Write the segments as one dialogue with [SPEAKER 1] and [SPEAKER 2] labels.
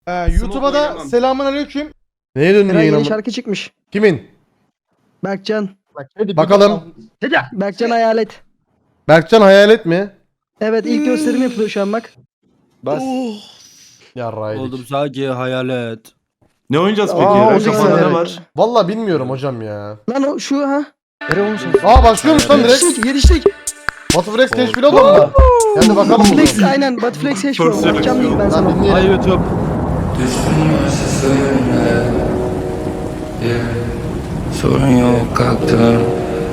[SPEAKER 1] YouTube'a da selamun aleyküm.
[SPEAKER 2] Neye döndü
[SPEAKER 3] Eray
[SPEAKER 2] yayın
[SPEAKER 3] yeni
[SPEAKER 2] ama?
[SPEAKER 3] şarkı çıkmış.
[SPEAKER 2] Kimin?
[SPEAKER 3] Berkcan.
[SPEAKER 2] Bakalım.
[SPEAKER 3] Berkcan Hayalet.
[SPEAKER 2] Berkcan Hayalet mi?
[SPEAKER 3] Evet ilk gösterim yapılıyor şu an bak.
[SPEAKER 4] Bas.
[SPEAKER 2] Yarraydık.
[SPEAKER 5] Oldum sadece hayalet.
[SPEAKER 4] Ne oynayacağız peki?
[SPEAKER 3] Aa,
[SPEAKER 4] Eren
[SPEAKER 3] olacak
[SPEAKER 4] kafanda ne
[SPEAKER 3] sanırım.
[SPEAKER 4] var?
[SPEAKER 2] Valla bilmiyorum hocam ya.
[SPEAKER 3] Lan o şu ha.
[SPEAKER 2] Aa başlıyormuş lan direkt.
[SPEAKER 3] Yetiştik.
[SPEAKER 2] Batuflex teşvil olur mu? Hadi bakalım bunu.
[SPEAKER 3] Flex aynen. Batflex H
[SPEAKER 4] First
[SPEAKER 3] pro. Bakacağım diyeyim ben
[SPEAKER 2] Lan
[SPEAKER 3] sana.
[SPEAKER 2] dinleyelim.
[SPEAKER 5] Hay YouTube.
[SPEAKER 6] Sorun yok kalktım.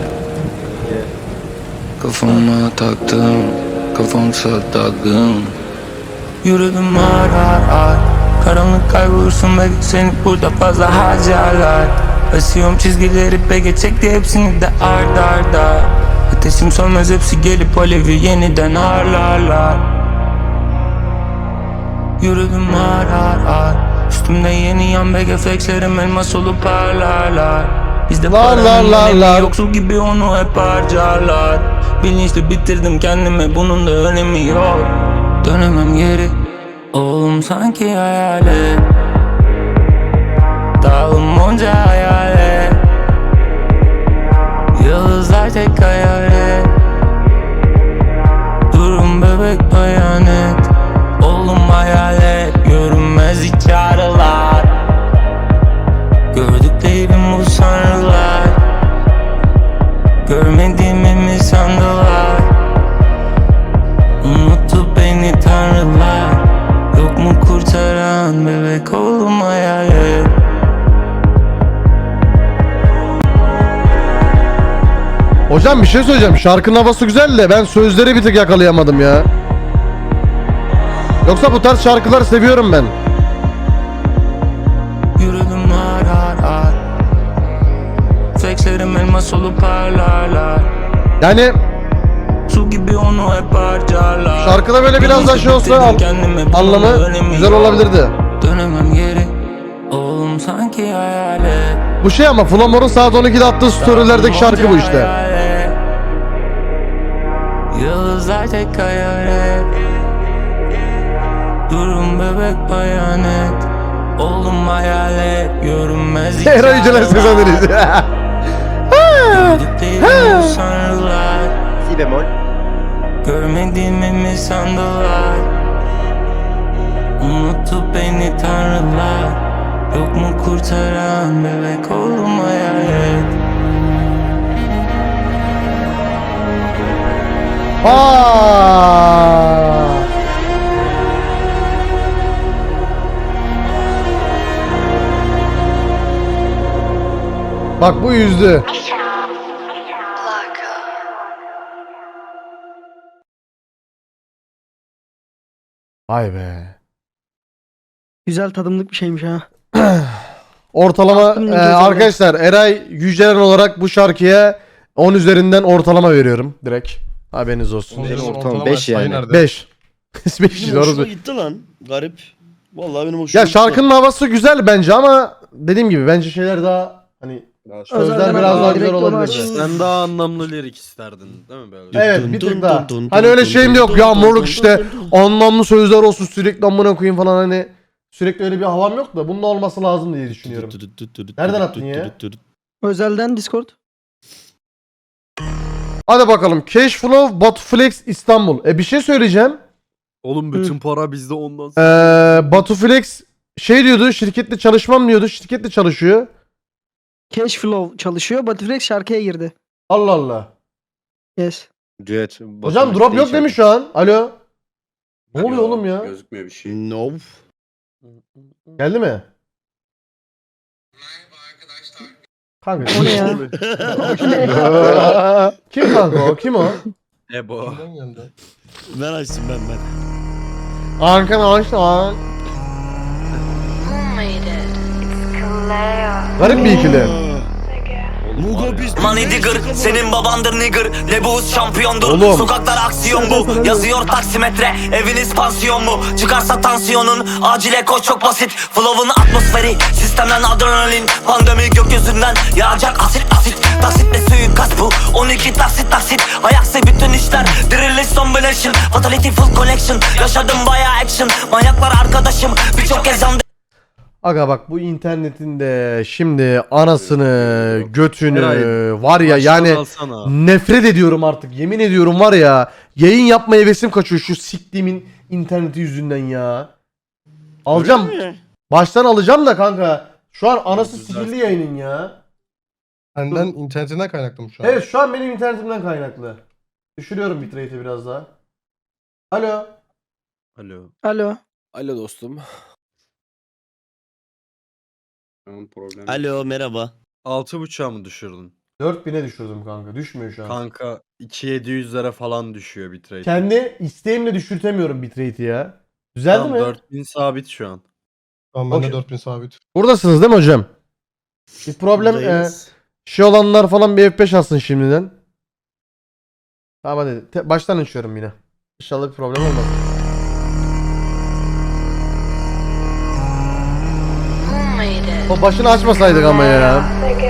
[SPEAKER 6] Kafama taktım. Kafamsa taktım. Yürüdüm ağır ağır ağır. Karanlık kaybolursun belki seni burada fazla harcarlar. Basıyorum çizgileri peke çekti hepsini de ard arda. Ateşim sönmez hepsi gelip alevi yeniden harlarlar. Yürüdüm ağır ağır ağır. Üstümde yeni yan BG flexlerim elmas olup parlarlar. Bizde paranın önemi yoksul gibi onu hep harcarlar. Bilinçli bitirdim kendime bunun da önemi yok. Dönemem geri. Oğlum sanki hayalet. Dağılım onca hayalet. Yıldızlar tek hayalet. Durum bebek bayanet. Oğlum hayalet. Görünmez hiç ağrılar. Gördüklerim bu sanrılar. Görmediğimi mi sandılar? Unuttu beni tanrılar. Yok mu kurtaran bebek oğlum hayalet.
[SPEAKER 2] Hocam bir şey söyleyeceğim. Şarkının havası güzel de ben sözleri bir tık yakalayamadım ya. Yoksa bu tarz şarkıları seviyorum ben.
[SPEAKER 6] Yürüdüm ağır ağır ağır. Flexlerim elmas olup parlarlar.
[SPEAKER 2] Yani
[SPEAKER 6] Su gibi onu hep harcarlar.
[SPEAKER 2] şarkıda böyle biraz daha şey olsa anlamı güzel olabilirdi.
[SPEAKER 6] Dönemem geri. Oğlum sanki hayalet.
[SPEAKER 2] Bu şey ama Flamor'un saat 12'de attığı storylerdeki şarkı bu işte.
[SPEAKER 6] Hayalet. Yıldızlar tek hayalet. Durum bebek bayanet. Oğlum hayalet. Görünmez hiç
[SPEAKER 2] Eray Yüceler sezonlarıyız.
[SPEAKER 6] Gördüklerim bu sanrılar.
[SPEAKER 4] Si bemol.
[SPEAKER 6] Görmediğimi mi sandılar? Unuttu beni tanrılar. Yok mu kurtaran bebek oğlum hayalet.
[SPEAKER 2] Aa! Bak bu yüzdü. Vay be.
[SPEAKER 3] Güzel tadımlık bir şeymiş ha.
[SPEAKER 2] Ortalama
[SPEAKER 3] Aklım gözümde.
[SPEAKER 2] arkadaşlar Eray Yücelen olarak bu şarkıya 10 üzerinden ortalama veriyorum direkt. Haberiniz olsun.
[SPEAKER 4] Benim ortalama 5 yani.
[SPEAKER 2] 5. 5
[SPEAKER 7] Benim
[SPEAKER 2] doğru.
[SPEAKER 7] hoşuma gitti lan. Garip. Vallahi benim hoşuma
[SPEAKER 2] Ya
[SPEAKER 7] gitti.
[SPEAKER 2] şarkının havası güzel bence ama dediğim gibi bence şeyler daha hani sözler
[SPEAKER 3] Özelden
[SPEAKER 2] biraz daha
[SPEAKER 3] direkt
[SPEAKER 2] güzel
[SPEAKER 3] onu
[SPEAKER 2] olabilir.
[SPEAKER 3] aç.
[SPEAKER 5] Sen daha anlamlı lirik isterdin değil mi böyle?
[SPEAKER 2] Evet bir tık daha. Hani öyle şeyim de yok ya moruk işte anlamlı sözler olsun sürekli amına koyayım falan hani sürekli öyle bir havam yok da bunun olması lazım diye düşünüyorum. Nereden attın ya?
[SPEAKER 3] Özelden Discord.
[SPEAKER 2] Hadi bakalım Cashflow Batuflex İstanbul. Bir şey söyleyeceğim.
[SPEAKER 5] Oğlum bütün para bizde ondan sonra.
[SPEAKER 2] Batuflex şey diyordu şirkette çalışmam diyordu şirkette çalışıyor.
[SPEAKER 3] Cashflow çalışıyor. Batflex şarkıya girdi.
[SPEAKER 2] Allah Allah.
[SPEAKER 3] Yes.
[SPEAKER 4] Düet.
[SPEAKER 2] Hocam drop yok demiş şu an. Alo. Ne oluyor oğlum ya?
[SPEAKER 4] Gözükmüyor bir şey.
[SPEAKER 7] No.
[SPEAKER 2] Geldi mi? Kanka.
[SPEAKER 3] O ne ya?
[SPEAKER 2] Kim kanka o? Kim o?
[SPEAKER 5] Ebo.
[SPEAKER 7] Ben açtım ben.
[SPEAKER 2] Arkadaşlar.
[SPEAKER 8] Who made it? It's Kaleo.
[SPEAKER 2] Garip bir ikili.
[SPEAKER 7] Aa, Mugo biz
[SPEAKER 6] Money digger, senin babandır nigger. Lebus şampiyondur.
[SPEAKER 2] Oğlum.
[SPEAKER 6] Sokaklar aksiyon bu. Yazıyor taksimetre. Eviniz pansiyon mu? Çıkarsa tansiyonun. Acile koş çok basit. Flow'un atmosferi. Sistemden adrenalin. Pandemi gökyüzünden. Yağacak asit asit. Taksitle suikast bu. 12 taksit. Ayaksı bütün işler. Diriliş combination. Fatality full collection. Yaşadım bayağı action. Manyaklar arkadaşım. Birçok kez yandım.
[SPEAKER 2] Aga bak bu internetin de şimdi anasını, götünü
[SPEAKER 5] Eray,
[SPEAKER 2] var ya yani
[SPEAKER 5] alsana.
[SPEAKER 2] nefret ediyorum artık. Yemin ediyorum var ya yayın yapmaya hevesim kaçıyor şu siktiğimin interneti yüzünden ya. Alacağım. Baştan alacağım da kanka. Şu an anası sikirli yayının ya.
[SPEAKER 8] Senden internetinden kaynaklı mı şu an?
[SPEAKER 2] Evet şu an benim internetimden kaynaklı. Düşürüyorum bitrate'i biraz daha. Alo.
[SPEAKER 5] Alo.
[SPEAKER 3] Alo.
[SPEAKER 9] Alo dostum.
[SPEAKER 7] Alo merhaba.
[SPEAKER 5] 6.5'a mı düşürdün?
[SPEAKER 2] 4000'e düşürdüm kanka. Düşmüyor şu an.
[SPEAKER 5] Kanka 2700'lere falan düşüyor bitrate.
[SPEAKER 2] Kendi isteğimle düşürtemiyorum bitrate'i ya. Düzeldi
[SPEAKER 5] Tamam,
[SPEAKER 2] mi?
[SPEAKER 5] 4000 sabit şu an.
[SPEAKER 8] Tamam bende
[SPEAKER 2] Okey.
[SPEAKER 8] 4000 sabit.
[SPEAKER 2] Buradasınız değil mi hocam? Bir problem
[SPEAKER 7] Buradayız.
[SPEAKER 2] şey olanlar falan bir F5 alsın şimdiden. Tamam hadi. Baştan açıyorum yine. İnşallah bir problem olmaz. O başını açmasaydık ama ya.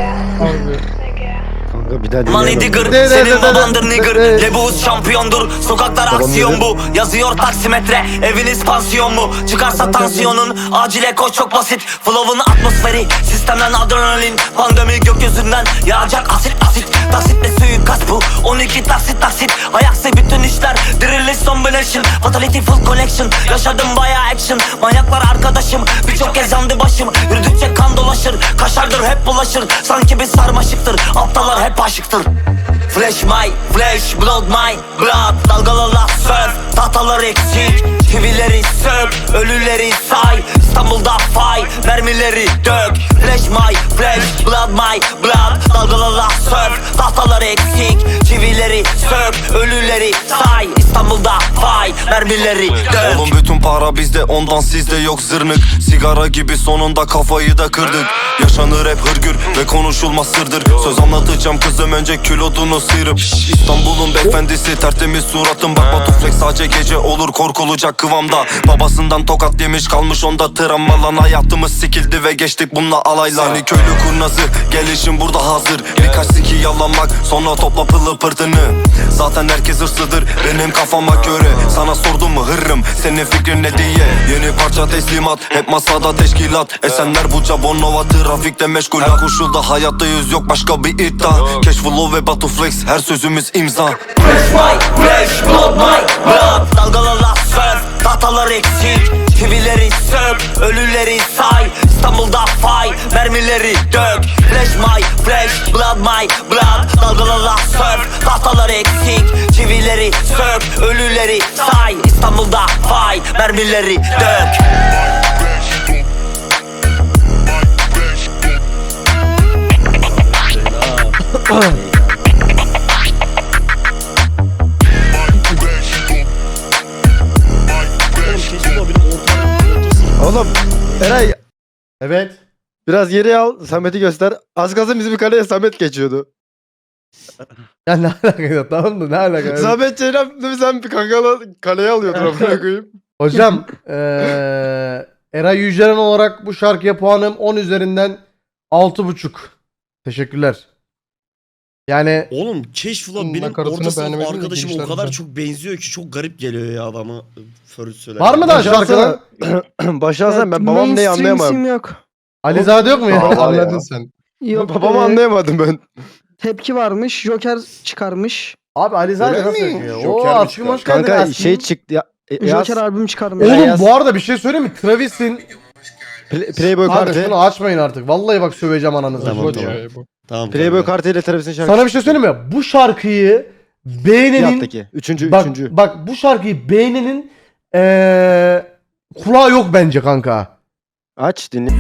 [SPEAKER 4] Kanka bir daha
[SPEAKER 6] Money
[SPEAKER 4] dinleyemem.
[SPEAKER 6] digger, senin babandır nigger. Lebus şampiyondur. Sokaklar aksiyon bu. Yazıyor taksimetre. Eviniz pansiyon mu? Çıkarsa tansiyonun. Acile koş çok basit. Flow'un atmosferi. Sistemden adrenalin. Pandemi gökyüzünden. Yağacak asit asit. Taksitle suikast bu. 12 taksit. Ayaksı bütün işler. Diriliş combination. Fatality full collection. Yaşadım bayağı action. Manyaklar arkadaşım. Birçok kez yandı başım. Yürüdükçe kan dolaşır. Kaşardır hep bulaşır. Sanki bir sarmaşıktır. Aptallar hep aşıktır. Flash my flash, blood my blood. Dalgalarla surf, tahtalar eksik. Çivileri sök, ölüleri say. İstanbul'da fay, mermileri dök. Flash my flash, blood my blood. Dalgalarla surf, tahtalar eksik. Çivileri sök, ölüleri say. İstanbul'da fay, mermileri dök.
[SPEAKER 10] Oğlum bütün para bizde, ondan sizde yok zırnık. Sigara gibi sonunda kafayı da kırdık. Yaşanır hep hırgür ve konuşulmaz sırdır. Söz anlatacağım kızım, önce külotunu sıyırıp. İstanbul'un beyefendisi, tertemiz suratım. Bak Batuflex sadece gece olur, korkulacak kıvamda. Babasından tokat yemiş, kalmış onda travma. Lan hayatımız sikildi ve geçtik bununla alayla. Seni köylü kurnazı, gelişim burada hazır. Birkaç siki yalanmak, sonra topla pılı pırtını. Zaten herkes hırslıdır benim kafama göre. Sana sordum mu hırrım, senin fikrin ne diye. Yeni parça teslimat, hep masada teşkilat. Esenler Buca, Bonova, trafikte meşgul. Koşulda hayattayız, yok başka bir iddia. Cashflow ve Batuflex, her sözümüz imza.
[SPEAKER 6] Fresh my fresh, blood my blood. Dalgalarla surf, tahtalar eksik. Çivileri sök, ölüleri say. İstanbul'da fay, mermileri dök. Flash my flash, blood my blood. Dalgalarla surf, tahtalar eksik. Çivileri sök, ölüleri say. İstanbul'da fay, mermileri dök.
[SPEAKER 4] Oğlum Eray
[SPEAKER 2] Evet.
[SPEAKER 4] biraz geriye al, Samet'i göster. Az kalsın bizim kaleye Samet geçiyordu.
[SPEAKER 2] Ya ne alaka tamam mı? Ne alaka?
[SPEAKER 4] Samet Ceylan sen bir kankalı kaleye alıyordun amına koyayım.
[SPEAKER 2] Hocam Eray Yücelen olarak bu şarkıya puanım 10 üzerinden 6.5. Teşekkürler. Yani
[SPEAKER 7] Oğlum Cashflow benim
[SPEAKER 8] Nakaratını
[SPEAKER 7] orta sınıf
[SPEAKER 8] beğenemedim de
[SPEAKER 7] arkadaşıma o
[SPEAKER 8] girişler
[SPEAKER 7] kadar
[SPEAKER 8] güzel.
[SPEAKER 7] çok benziyor ki çok garip geliyor ya adama. First söyler.
[SPEAKER 2] var mı daha şarkılar?
[SPEAKER 4] Başlasan ben babam neyi
[SPEAKER 3] Mainstream
[SPEAKER 4] anlayamadım.
[SPEAKER 3] isim yok.
[SPEAKER 2] Alizade yok mu ya?
[SPEAKER 8] Anladın sen.
[SPEAKER 3] Yok.
[SPEAKER 4] Babamı anlayamadım ben.
[SPEAKER 3] Tepki varmış. Joker çıkarmış.
[SPEAKER 2] Abi Alizade
[SPEAKER 8] Öyle
[SPEAKER 2] nasıl
[SPEAKER 8] mi?
[SPEAKER 2] yapıyor?
[SPEAKER 4] Joker
[SPEAKER 2] Oo
[SPEAKER 4] mi
[SPEAKER 2] aşkım
[SPEAKER 4] çıkar?
[SPEAKER 2] hoş geldin.
[SPEAKER 4] Kanka
[SPEAKER 2] aşkım.
[SPEAKER 4] şey çıktı ya. Yaz,
[SPEAKER 3] Joker albüm çıkarmış.
[SPEAKER 2] Oğlum
[SPEAKER 4] Yaz.
[SPEAKER 2] bu arada bir şey söyleyeyim mi? Travis'in
[SPEAKER 4] Playboy
[SPEAKER 2] Abi
[SPEAKER 4] kartı.
[SPEAKER 2] şunu açmayın artık. Vallahi bak söveceğim ananızı.
[SPEAKER 7] Tamam,
[SPEAKER 2] Şunu-
[SPEAKER 7] tamam.
[SPEAKER 8] Bu.
[SPEAKER 7] Tamam.
[SPEAKER 4] Playboy kartı ile Travis'in şarkısı.
[SPEAKER 2] Sana bir şey söyleyeyim mi? Bu şarkıyı beğenenin
[SPEAKER 4] Yattaki. Üçüncü.
[SPEAKER 2] bak bu şarkıyı beğenenin kulağı yok bence kanka.
[SPEAKER 4] Aç dinle.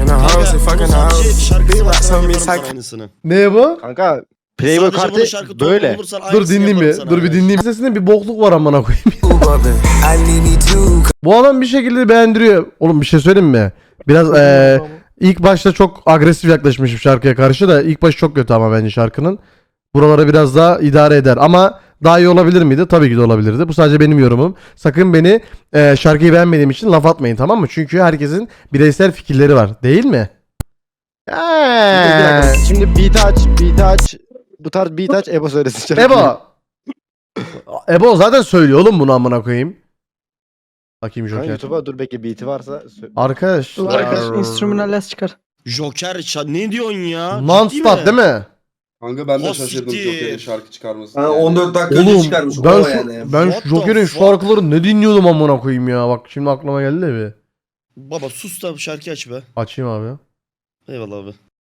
[SPEAKER 7] Aynısını.
[SPEAKER 2] Ne bu?
[SPEAKER 4] Kanka Playboy
[SPEAKER 7] Sadece bunun
[SPEAKER 4] kartı
[SPEAKER 7] şarkı
[SPEAKER 4] böyle.
[SPEAKER 7] bulursan
[SPEAKER 2] Dur
[SPEAKER 7] aynısını
[SPEAKER 2] dinleyeyim
[SPEAKER 7] yaparım
[SPEAKER 2] bir.
[SPEAKER 7] sana
[SPEAKER 2] Dur bir
[SPEAKER 7] arkadaş.
[SPEAKER 2] dinleyeyim. Sesinde bir bokluk var amına koyayım. Bu adam bir şekilde beğendiriyor. Oğlum bir şey söyleyeyim mi? Biraz İlk başta çok agresif yaklaşmışım şarkıya karşı da ilk başı çok kötü ama bence şarkının. Buralara biraz daha idare eder ama daha iyi olabilir miydi? Tabii ki de olabilirdi. Bu sadece benim yorumum. Sakın beni şarkıyı beğenmediğim için laf atmayın, tamam mı? Çünkü herkesin bireysel fikirleri var. Değil mi?
[SPEAKER 4] Bir dakika, şimdi beat aç. Bu tarz beat aç, Ebo söylesin şarkıyı.
[SPEAKER 2] Ebo. Ebo zaten söylüyor oğlum bunu, amına koyayım. Bakayım
[SPEAKER 4] Kanka
[SPEAKER 2] Joker.
[SPEAKER 4] YouTube'a dur bekle, beat'i varsa.
[SPEAKER 2] Arkadaşlar.
[SPEAKER 3] Instrumental çıkar.
[SPEAKER 7] Joker ne diyorsun ya?
[SPEAKER 2] Non-stop değil mi?
[SPEAKER 9] Kanka ben de
[SPEAKER 7] Ha,
[SPEAKER 9] şaşırdım
[SPEAKER 7] siktir.
[SPEAKER 9] Joker'in şarkı çıkarması.
[SPEAKER 11] Ha, 14 dakika önce
[SPEAKER 2] Oğlum
[SPEAKER 11] çıkarmış.
[SPEAKER 2] ben,
[SPEAKER 11] o
[SPEAKER 2] şu,
[SPEAKER 11] yani.
[SPEAKER 2] ben
[SPEAKER 7] What the
[SPEAKER 2] Joker'in
[SPEAKER 7] fuck?
[SPEAKER 2] şarkılarını ne dinliyordum amına koyayım ya. Bak şimdi aklıma geldi de bir.
[SPEAKER 7] Baba sus da şarkı aç be.
[SPEAKER 2] Açayım abi.
[SPEAKER 7] Eyvallah abi.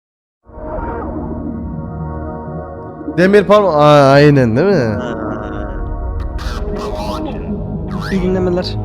[SPEAKER 2] Demir parmak. Aynen değil mi?
[SPEAKER 3] İyi dinlemeler.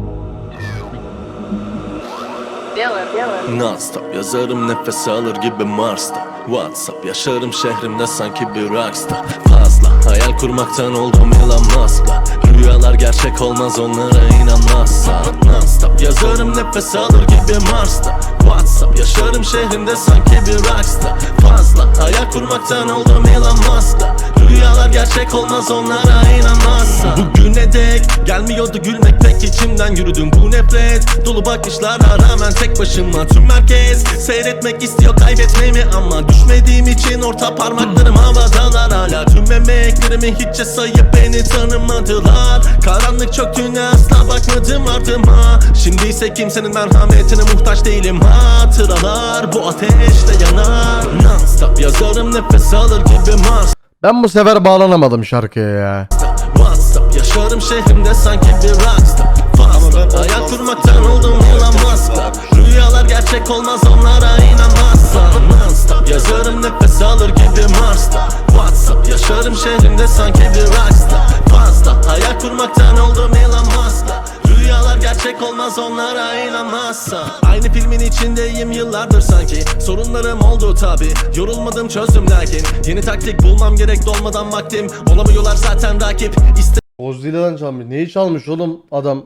[SPEAKER 10] Non-stop yazarım nefes alır gibi Mars'ta. WhatsApp yaşarım şehrimde sanki bir rockstar. Fazla hayal kurmaktan oldum Elon Musk'la. Rüyalar gerçek olmaz onlara inanmazsan. Non-stop yazarım nefes alır gibi Mars'ta. WhatsApp yaşarım şehrimde sanki bir rockstar. Fazla hayal kurmaktan oldum Elon Musk'la. Rüyalar gerçek olmaz onlara inanmazsan. Bugüne dek gelmiyordu gülmek pek içimden yürüdüm bu nefret dolu bakışlara rağmen tek başıma tüm merkez seyretmek istiyor kaybetmemi ama düşmediğim için orta parmaklarım havadalar hala tüm emeklerimi hiççe sayıp beni tanımadılar. Karanlık çöktüğüne asla bakmadım ardıma. Şimdi ise kimsenin merhametine muhtaç değilim. Hatıralar bu ateşte yanar. Non-stop yazarım nefes alır gibi Mars.
[SPEAKER 2] Ben bu sefer bağlanamadım şarkıya ya.
[SPEAKER 10] WhatsApp yaşarım şehrimde sanki bir rockstar. Fazla hayal kurmaktan oldum Elon Musk'la. Rüyalar gerçek olmaz onlara inanmazsan. Non-stop yazarım nefes alır gibi Mars'ta. WhatsApp yaşarım şehrimde sanki bir rockstar. Fazla hayal kurmaktan oldum Elon Musk'la. Rüyalar gerçek olmaz onlara inanmazsan. Aynı filmin içindeyim yıllardır sanki. Sorunlarım oldu tabi, yorulmadım çözdüm lakin. Yeni taktik bulmam gerek dolmadan vaktim. Olamıyorlar zaten rakip.
[SPEAKER 2] Godzilla'dan çalmış. Neyi çalmış oğlum adam?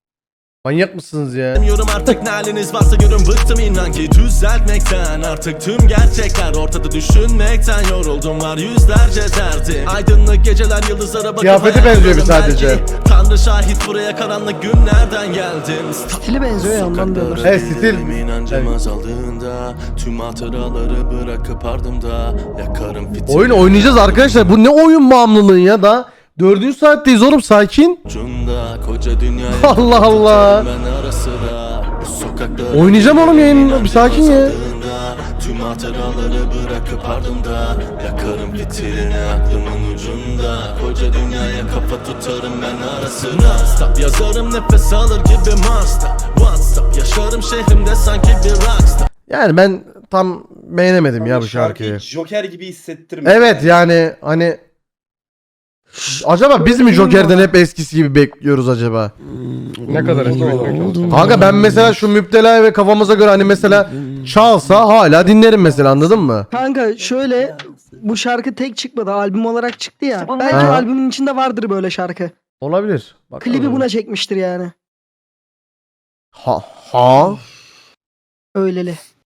[SPEAKER 2] Manyak mısınız ya?
[SPEAKER 10] İstemiyorum artık ne haliniz varsa görün bıktım inan ki düzeltmekten. Artık tüm gerçekler ortada düşünmekten yoruldum var yüzlerce derdim. Aydınlık geceler yıldızlara bakıp
[SPEAKER 2] Kıyafeti
[SPEAKER 10] hayal
[SPEAKER 2] benziyor bir
[SPEAKER 10] kurarım
[SPEAKER 2] sadece.
[SPEAKER 10] belki. Tanrı şahit buraya karanlık günlerden geldim.
[SPEAKER 3] Stili benziyor ya ondan diyorlar.
[SPEAKER 2] Evet, stil.
[SPEAKER 10] İnancım azaldığında tüm hatıraları bırakıp ardımda yakarım fitil.
[SPEAKER 2] Oyun oynayacağız arkadaşlar. Bu ne oyun bağımlılığı ya da? 4. saatteyiz oğlum, sakin.
[SPEAKER 10] Ucunda koca dünyaya
[SPEAKER 2] Allah Allah.
[SPEAKER 10] ben ara sıra bu sokakları
[SPEAKER 2] Oynayacağım oğlum yayını. Bir sakin ya.
[SPEAKER 10] Tüm hatıraları bırakıp ardımda yakarım fitilini aklımın ucunda. Koca dünyaya kafa tutarım ben ara sıra. Non-stop yazarım nefes alır gibi Mars'ta. WhatsApp yaşarım şehrimde sanki bir rockstar.
[SPEAKER 2] Yani ben tam beğenemedim ya bu şarkıyı.
[SPEAKER 9] Joker gibi hissettirmiyor.
[SPEAKER 2] Evet yani hani acaba biz mi Joker'den hep eskisi gibi bekliyoruz acaba?
[SPEAKER 8] Ne kadar eski bekliyorsun?
[SPEAKER 2] Kanka ben mesela şu Müptela'yı ve kafamıza göre hani mesela çalsa hala dinlerim mesela, anladın mı?
[SPEAKER 3] Kanka şöyle, bu şarkı tek çıkmadı, albüm olarak çıktı ya. Bence
[SPEAKER 2] Ha.
[SPEAKER 3] albümün içinde vardır böyle şarkı.
[SPEAKER 2] Olabilir. Bakalım.
[SPEAKER 3] Klibi buna çekmiştir yani.
[SPEAKER 2] Ha.
[SPEAKER 3] Öyleli.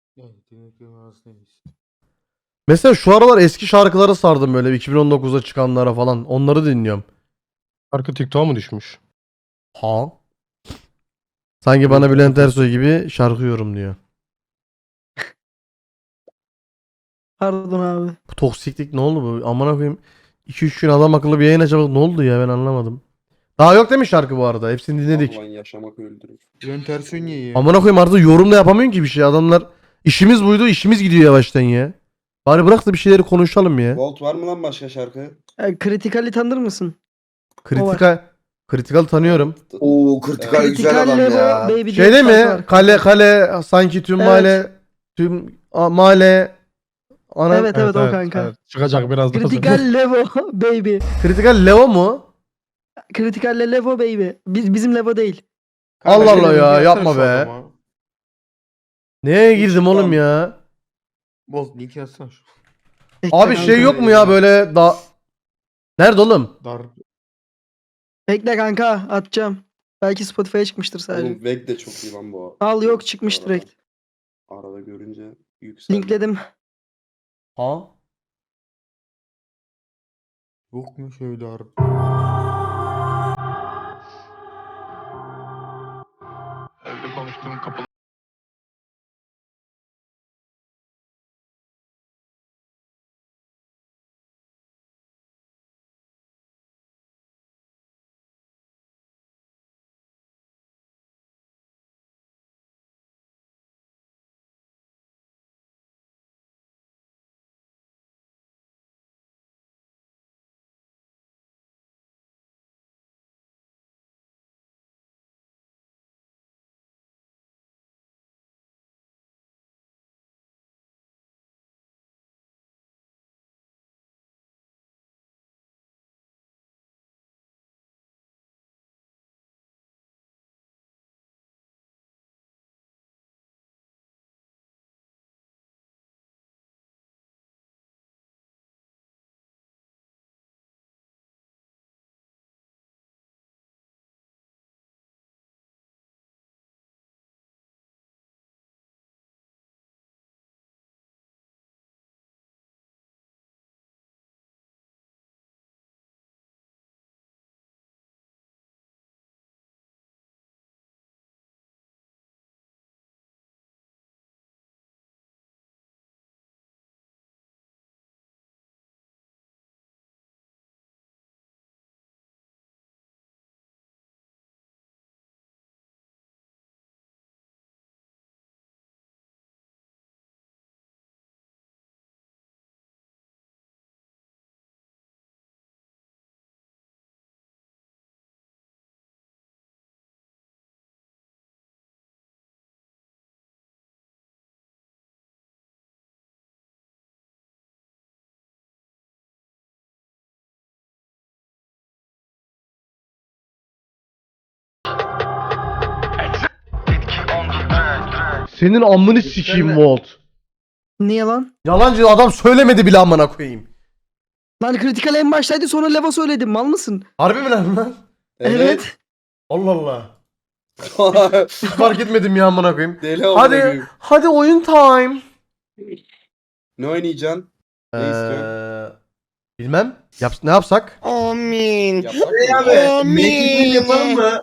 [SPEAKER 2] Mesela şu aralar eski şarkılara sardım böyle 2019'da çıkanlara falan. Onları dinliyorum.
[SPEAKER 8] Şarkı TikTok'a mı düşmüş?
[SPEAKER 2] Ha. Sanki bana Bülent Ersoy gibi şarkı yorum diyor.
[SPEAKER 3] Pardon abi.
[SPEAKER 2] Bu toksiklik ne oldu bu? Amına koyayım. 2-3 gün adam akıllı bir yayın açamadık. Ne oldu ya, ben anlamadım. Daha yok değil mi şarkı bu arada? Hepsini dinledik.
[SPEAKER 9] Ulan yaşamak öldürür.
[SPEAKER 5] Bülent Ersoy niye ya?
[SPEAKER 2] Amına koyayım artık yorum da yapamıyorsun ki bir şey. Adamlar işimiz buydu, işimiz gidiyor yavaştan ya. Bari bırak da bir şeyleri konuşalım ya.
[SPEAKER 9] Volt var mı lan başka şarkı?
[SPEAKER 3] Critical'i tanır mısın?
[SPEAKER 2] Critical tanıyorum.
[SPEAKER 11] Oo kritikal güzel
[SPEAKER 3] Critical
[SPEAKER 11] adam
[SPEAKER 3] Level
[SPEAKER 11] ya.
[SPEAKER 3] Baby diye
[SPEAKER 2] Şey değil
[SPEAKER 3] bir şarkı
[SPEAKER 2] mi?
[SPEAKER 3] var.
[SPEAKER 2] Kale sanki tüm
[SPEAKER 3] Evet.
[SPEAKER 2] mahalle mahalle ana
[SPEAKER 3] Evet o kanka.
[SPEAKER 8] Evet. Çıkacak birazdan.
[SPEAKER 3] Critical Level Baby.
[SPEAKER 2] Critical Leo mu?
[SPEAKER 3] Critical Level Baby. Bizim Levo değil.
[SPEAKER 2] Allah Allah
[SPEAKER 8] Şöyle
[SPEAKER 2] ya,
[SPEAKER 8] bir
[SPEAKER 2] yapma
[SPEAKER 8] yazsana
[SPEAKER 2] be.
[SPEAKER 8] şu adama.
[SPEAKER 2] Neye girdim oğlum ya?
[SPEAKER 5] Boz link yazsana şu.
[SPEAKER 3] Bekle
[SPEAKER 2] Abi
[SPEAKER 3] kanka.
[SPEAKER 2] şey yok mu ya böyle da... Nerede oğlum?
[SPEAKER 8] Dar.
[SPEAKER 3] Bekle kanka, atacağım. Belki Spotify'a çıkmıştır sadece.
[SPEAKER 9] Oğlum Veg de çok iyi lan bu.
[SPEAKER 3] Al, yok çıkmış
[SPEAKER 9] Arada-
[SPEAKER 3] direkt.
[SPEAKER 9] Arada görünce Yüksel.
[SPEAKER 3] Linkledim.
[SPEAKER 2] Ha?
[SPEAKER 11] Yok mu şöyle harbi?
[SPEAKER 2] Senin amını sikeyim Volt.
[SPEAKER 3] Niye lan?
[SPEAKER 2] Yalancı adam söylemedi bile amına koyayım.
[SPEAKER 3] Lan Critical en baştaydı sonra Leva söyledim. Mal mısın?
[SPEAKER 2] Harbi mi lan?
[SPEAKER 3] Evet.
[SPEAKER 2] Allah Allah. Hiç fark etmedim ya amına koyayım.
[SPEAKER 9] Deli amına
[SPEAKER 2] Hadi
[SPEAKER 9] koyayım.
[SPEAKER 2] hadi oyun time.
[SPEAKER 9] Ne oynayacaksın? Ne istiyorsun?
[SPEAKER 2] Bilmem. Ne yapsak?
[SPEAKER 7] Amin.
[SPEAKER 9] Yapsak mı?
[SPEAKER 11] Yapalım mı?